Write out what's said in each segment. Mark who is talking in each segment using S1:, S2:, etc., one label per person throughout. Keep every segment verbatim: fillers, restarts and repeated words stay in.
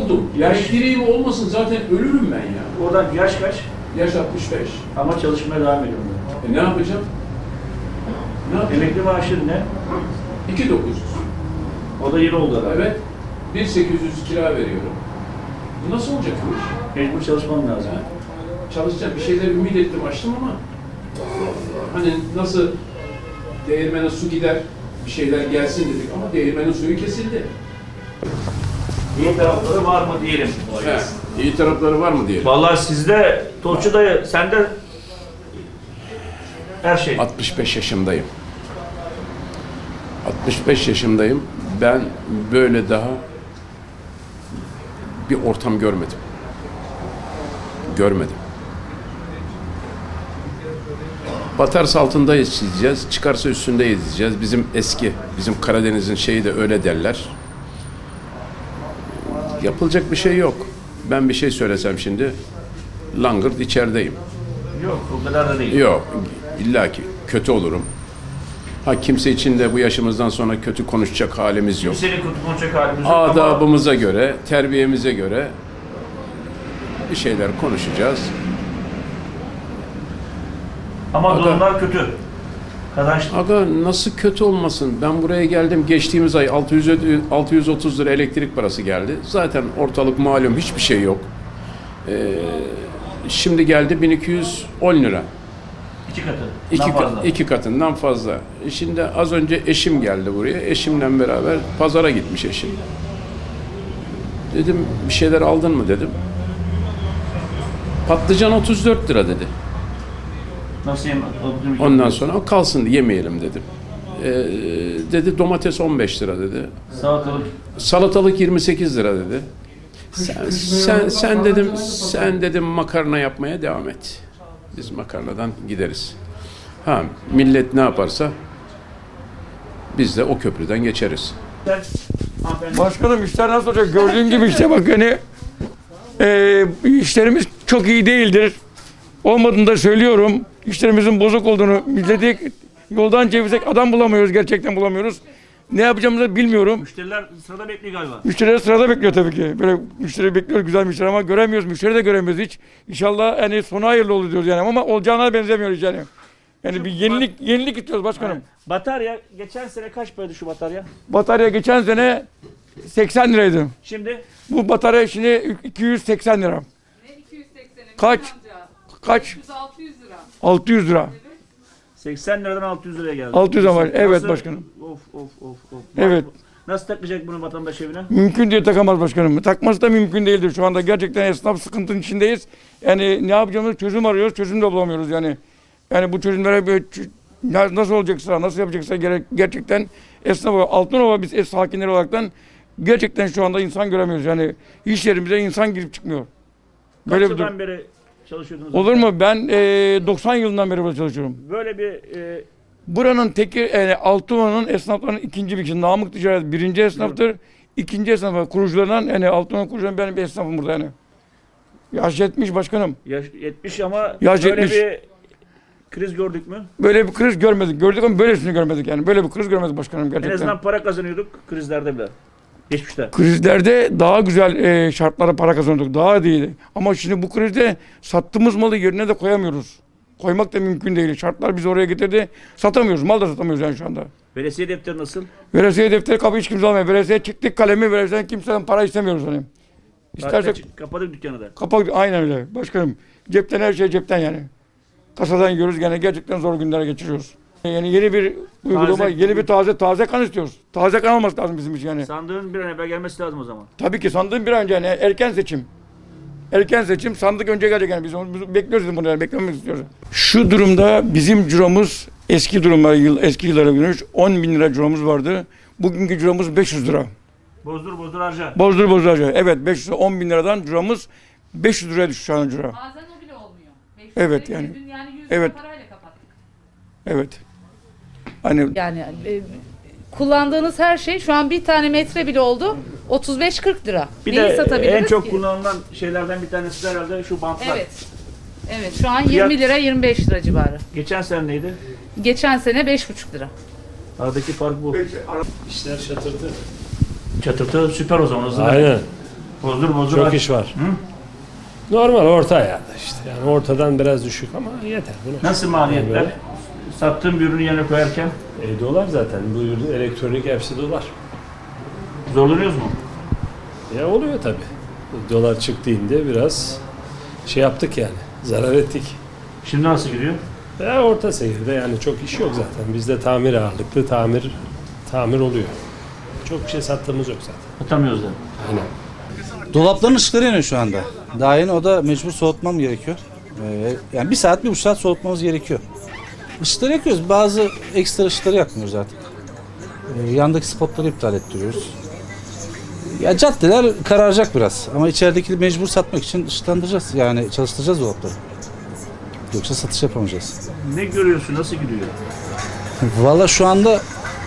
S1: buldum. Yaş direği olmasın zaten ölürüm ben ya.
S2: Oradan yaş kaç?
S1: Yaş altmış beş.
S2: Ama çalışmaya devam ediyorum.
S1: E ne yapacağım? Ne yapacağım?
S2: Emekli maaşın ne?
S1: iki bin dokuz yüz.
S2: O da yeni oldu herhalde.
S1: Evet. bin sekiz yüz kira veriyorum. Bu nasıl olacak bu iş?
S2: Mecbur çalışman lazım.
S1: Yani çalışacağım. Bir şeyler ümit ettim, açtım ama hani nasıl değirmene su gider, bir şeyler gelsin dedik ama değirmenin suyu kesildi.
S2: İyi tarafları var mı diyelim.
S1: He, iyi tarafları var mı diyelim.
S2: Vallahi sizde, Tolçu dayı, sende her şey.
S1: altmış beş yaşındayım. altmış beş yaşındayım. Ben böyle daha bir ortam görmedim. Görmedim. Batarsa altında izleyeceğiz, çıkarsa üstünde izleyeceğiz. Bizim eski, bizim Karadeniz'in şeyi de öyle derler. Yapılacak bir şey yok. Ben bir şey söylesem şimdi, langırt içerideyim.
S2: Yok, o kadar da değil.
S1: Yok, illaki kötü olurum. Ha kimse için de bu yaşımızdan sonra kötü konuşacak halimiz yok.
S2: Kimsenin kötü konuşacak halimiz yok ama
S1: Adabımıza göre, terbiyemize göre bir şeyler konuşacağız.
S2: ama
S1: Aga-
S2: durumlar kötü. Kazanç
S1: Aga nasıl kötü olmasın? Ben buraya geldim. Geçtiğimiz ay altı yüz, altı yüz otuz lira elektrik parası geldi. Zaten ortalık malum hiçbir şey yok. Ee, şimdi geldi bin iki yüz on lira.
S2: iki katı.
S1: İki,
S2: daha
S1: ka-
S2: fazla.
S1: iki katından fazla. Şimdi az önce eşim geldi buraya. Eşimle beraber pazara gitmiş eşim. Dedim bir şeyler aldın mı dedim. Patlıcan otuz dört lira dedi.
S2: Nasıl yem?
S1: Ondan sonra o kalsın yemeyelim dedim. Ee, dedi domates on beş lira dedi.
S2: Salatalık.
S1: Salatalık yirmi sekiz lira dedi. Sen, sen, sen dedim sen dedim makarna yapmaya devam et. Biz makarnadan gideriz. Ha millet ne yaparsa biz de o köprüden geçeriz.
S3: Başkanım işler nasıl olacak? Gördüğün gibi işte bak hani e, işlerimiz çok iyi değildir. Olmadığını da söylüyorum. İşlerimizin bozuk olduğunu, milleti yoldan çevirsek adam bulamıyoruz, gerçekten bulamıyoruz. Ne yapacağımızı bilmiyorum.
S2: Müşteriler sırada bekliyor galiba.
S3: Müşteriler sırada bekliyor tabii ki. Böyle müşteri bekliyoruz, güzel müşteri ama göremiyoruz. Müşteri de göremiyoruz hiç. İnşallah yani sonu hayırlı olur diyoruz yani ama olacağına benzemiyoruz yani. Yani bir yenilik yenilik istiyoruz başkanım.
S2: Batarya geçen sene kaç paraydı şu batarya?
S3: Batarya geçen sene seksen liraydı.
S2: Şimdi
S3: Bu batarya şimdi iki yüz seksen lira.
S4: Ne iki yüz sekseni?
S3: Kaç?
S4: Amca.
S3: Kaç?
S4: yüz altı yüz lira.
S3: altı yüz lira.
S2: seksen liradan altı yüz liraya geldi.
S3: altı yüz ama evet
S2: Nasıl-
S3: başkanım.
S2: Of of of of.
S3: Evet.
S2: Nasıl takacak bunu vatandaş evine?
S3: Mümkün değil, takamaz başkanım. Takması da mümkün değildir. Şu anda gerçekten esnaf sıkıntının içindeyiz. Yani ne yapacağımızı çözüm arıyoruz, çözüm de bulamıyoruz yani. Yani bu çözümlere böyle ç- na- nasıl olacaksa, nasıl yapacaksa gerek, gerçekten esnaf Altınova biz ev sakinleri olaraktan gerçekten şu anda insan göremiyoruz. Yani iş yerimize insan girip çıkmıyor.
S2: Kaç
S3: Böyle bir
S2: yıldan
S3: durum.
S2: beri çalışıyordunuz?
S3: Olur mu? Ben eee, doksan yılından beri burada çalışıyorum.
S2: Böyle bir e,
S3: Buranın teki yani Altınova'nın esnaflarının ikinci bir kişi. Namık Ticaret birinci esnaftır. İkinci esnafı kurucularından yani Altınova kurucularından benim bir esnafım burada yani. Yaş yetmiş başkanım.
S2: yaş yetmiş ama
S3: Yaş
S2: böyle
S3: yetmiş.
S2: bir kriz gördük mü?
S3: Böyle bir kriz görmedik. Gördük ama böylesini görmedik yani. Böyle bir kriz görmedik başkanım
S2: En
S3: gerçekten.
S2: azından para kazanıyorduk krizlerde bile. Geçmişte.
S3: Krizlerde daha güzel e, şartlara para kazanıyorduk. Daha iyiydi. Ama şimdi bu krizde sattığımız malı yerine de koyamıyoruz. Koymak da mümkün değil. Şartlar bizi oraya getirdi. Satamıyoruz. Mal da satamıyoruz yani şu anda.
S2: Veresiye defteri nasıl?
S3: Veresiye defteri kapı hiç kimse almıyor. Veresiye çıktık kalemi verirsen kimseden para istemiyoruz hani. İstersek
S2: İstersek kapadık dükkanı da.
S3: kapak aynen öyle başkanım. Cepten her şey cepten yani. Kasadan yiyoruz gene gerçekten zor günler geçiriyoruz. Yani yeni bir uygulama,
S2: Taze-
S3: yeni bir taze taze kan istiyoruz. Taze kan olması lazım bizim için yani.
S2: Sandığın bir an evvel gelmesi lazım o zaman.
S3: Tabii ki sandığın bir an önce yani erken seçim. Erken seçim sandık önce gelecek yani biz onu biz bekliyoruz bunu yani beklemek istiyoruz. Şu durumda bizim ciromuz eski durumlara yıl eski yıllara göre on bin lira ciromuz vardı. Bugünkü ciromuz beş yüz lira.
S2: Bozdur bozdur harca.
S3: Bozdur bozdur harca. Evet beş yüz on bin liradan ciromuz beş yüz liraya düştü şu an ciro.
S4: Bazen o bile olmuyor. beş yüz
S3: Evet,
S4: lira,
S3: yani.
S4: yüz bin, yani yüz
S3: Evet.
S4: lira parayla kapattık.
S3: Evet. Hani
S4: Yani e, kullandığınız her şey şu an bir tane metre bile oldu otuz beş kırk lira.
S2: Bir
S4: Neyi
S2: de
S4: satabiliriz
S2: en çok
S4: ki?
S2: kullanılan şeylerden bir tanesi de herhalde şu bantlar.
S4: Evet. Evet şu an
S2: Fiyat-
S4: yirmi lira yirmi beş lira civarı.
S2: Geçen sene neydi?
S4: Geçen sene beş buçuk lira.
S2: Aradaki fark bu.
S1: İşler şatırdı.
S2: Çatırtı süper o zaman hızlı.
S5: Aynen.
S2: Bozdur bozdur.
S5: Çok
S2: aç.
S5: iş var. Normal orta ayarda işte. Yani ortadan biraz düşük ama yeter. Buna.
S2: Nasıl maliyetler?
S5: Yani
S2: Sattığım bir ürünü yerine koyarken
S5: E, dolar zaten. Bu ürün elektronik hepsi dolar.
S2: zorlanıyoruz mu?
S5: Ya oluyor tabii. Dolar çıktığında biraz şey yaptık yani. Zarar ettik.
S2: Şimdi nasıl gidiyor?
S5: Ya orta seyirde yani çok iş yok zaten. Bizde tamir ağırlıklı tamir tamir oluyor. Çok bir şey sattığımız yok zaten.
S2: Atamıyoruz da.
S5: Aynen.
S6: Dolapların ışıkları yanıyor şu anda. Daha yeni o da mecbur soğutmam gerekiyor. Ee, yani bir saat, bir buçuk saat soğutmamız gerekiyor. Işıkları yakıyoruz. Bazı ekstra ışıkları yakmıyoruz artık. Ee, yandaki spotları iptal ettiriyoruz. Ya caddeler kararacak biraz. Ama içerideki mecbur satmak için ışıklandıracağız. Yani çalıştıracağız dolapları. Yoksa satış yapamayacağız.
S2: Ne görüyorsun? Nasıl gidiyor?
S6: Valla şu anda e,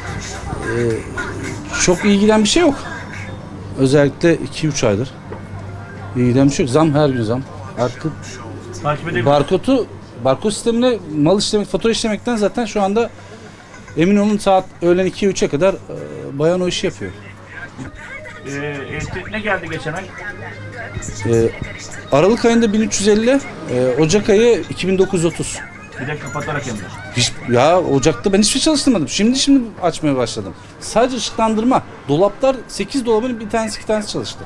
S6: çok iyi giden bir şey yok. Özellikle iki üç aydır. İyi giden bir şey yok. Zam her gün zam. Artık
S2: Takip edebiliyor
S6: barkodu, barkod sistemine mal işlemek, fatura işlemekten zaten şu anda emin olun saat öğlen iki üçe kadar e, bayan o işi yapıyor.
S2: Ee, elektrik ne geldi geçen ay?
S6: E, Aralık ayında bin üç yüz elli, e, Ocak ayı iki bin dokuz yüz otuz.
S2: Bir de kapatarak hem de.
S6: Hiç, ya Ocak'ta ben hiçbir şey çalıştırmadım. Şimdi şimdi açmaya başladım. Sadece ışıklandırma. Dolaplar sekiz dolabın bir tanesi iki tanesi çalıştı.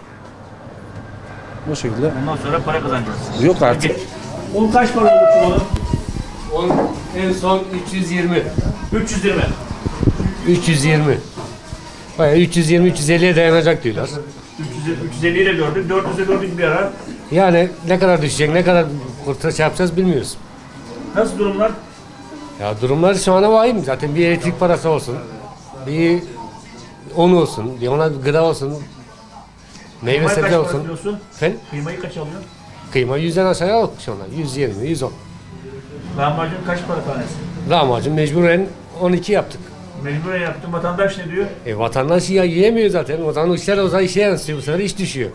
S6: O şekilde.
S2: Ondan sonra para kazanacağız.
S6: Yok artık.
S2: Un kaç para oldu çuvalı?
S7: On, en son üç yüz yirmi.
S2: üç yüz yirmi.
S7: üç yüz yirmi. Bayağı üç yüz yirmi üç yüz elliye dayanacak diyorlar.
S2: üç yüz, üç yüz elli ile gördük. dört yüze gördük bir ara.
S7: Yani ne kadar düşecek, ne kadar kurtarış yapacağız bilmiyoruz.
S2: Nasıl durumlar?
S7: Ya durumlar şu anda vahim. Zaten bir elektrik parası olsun, bir un olsun, bir ona gıda olsun, meyve
S2: Kıymayı kaç
S7: sebze
S2: para
S7: olsun.
S2: alıyorsun?
S7: Efendim?
S2: Kıymayı kaç alıyorsun?
S7: Kıyma yüzden aşağıya yok şu anda. yüz yirmi, yüz on.
S2: Lahmacun kaç para tanesi?
S7: Lahmacun mecburen on iki yaptık.
S2: Mecburen yaptım. Vatandaş ne diyor?
S7: E vatandaş ya yiyemiyor zaten. O zaman işler o zaman işe yansıyor. Bu sefer iş düşüyor.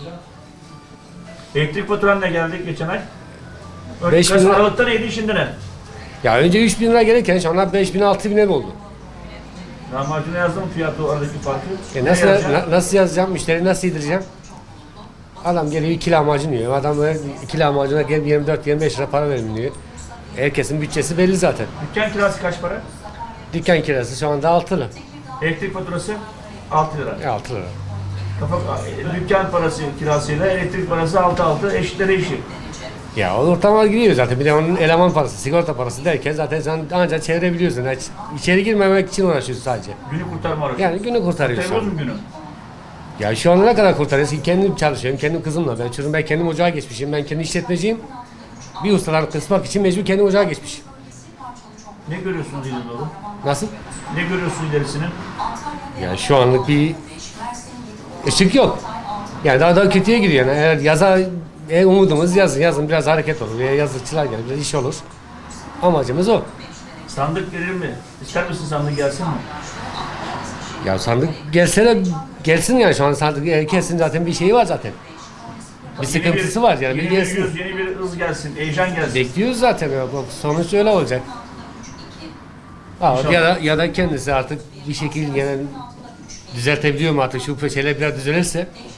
S2: Elektrik faturan ne geldi geçen ay? Önce
S7: Beş bin
S2: kaç-
S7: lira.
S2: Aralıkta neydi şimdi ne?
S7: Ya önce üç bin lira gelirken şu anda beş bin altı bin oldu.
S2: Lahmacuna yazdım fiyatı aradaki farkı.
S7: E
S2: Ne
S7: nasıl
S2: yazacaksın?
S7: na- nasıl yazacağım? Müşteri nasıl yedireceğim? Adam geliyor iki lahmacun yiyor. Adam böyle iki lahmacuna gel yirmi dört yirmi beş lira para verin diyor. Herkesin bütçesi belli zaten.
S2: Dükkan kirası kaç para?
S7: Dükkan kirası şu anda altı lira.
S2: Elektrik faturası altı lira.
S7: E, altı lira.
S2: Kafa, dükkan parası kirasıyla elektrik parası altı altı eşitlere eşit.
S7: Ya o ortamlar gidiyor zaten. Bir de onun eleman parası, sigorta parası derken zaten sen ancak çevirebiliyorsun. Yani içeri girmemek için uğraşıyorsun sadece.
S2: Günü kurtarma aracı.
S7: Yani günü kurtarıyorsun.
S2: Kurtarıyoruz mu günü?
S7: Ya şu anda ne kadar kurtarıyorsun? Kendim çalışıyorum, kendim kızımla. Ben çocuğum, ben kendim ocağa geçmişim. Ben kendi işletmeciyim. Bir ustadan kısmak için mecbur kendim ocağa geçmişim.
S2: Ne görüyorsunuz ileri doğru?
S7: Nasıl?
S2: Ne görüyorsun ilerisinin?
S7: Yani şu anlık bir ışık yok. Yani daha daha kötüye gidiyor. Yani eğer yaza e, umudumuz yazın. Yazın biraz hareket olur. Veya yazlıkçılar gelir, biraz iş olur. Amacımız o.
S2: Sandık gelir mi? İster misin sandık gelsin mi?
S7: Ya sandık gelse de gelsin yani şu an sandık herkesin zaten bir şeyi var zaten. Bir
S2: Yeni
S7: sıkıntısı var yani bir
S2: yeni bir
S7: gelsin.
S2: yüz, yeni bir hız gelsin, heyecan gelsin.
S7: Bekliyoruz zaten ya. Bak, sonuç öyle olacak. Ama ya da ya da kendisi artık bir şekilde yani düzeltebiliyor mu artık şu şeyler biraz düzelirse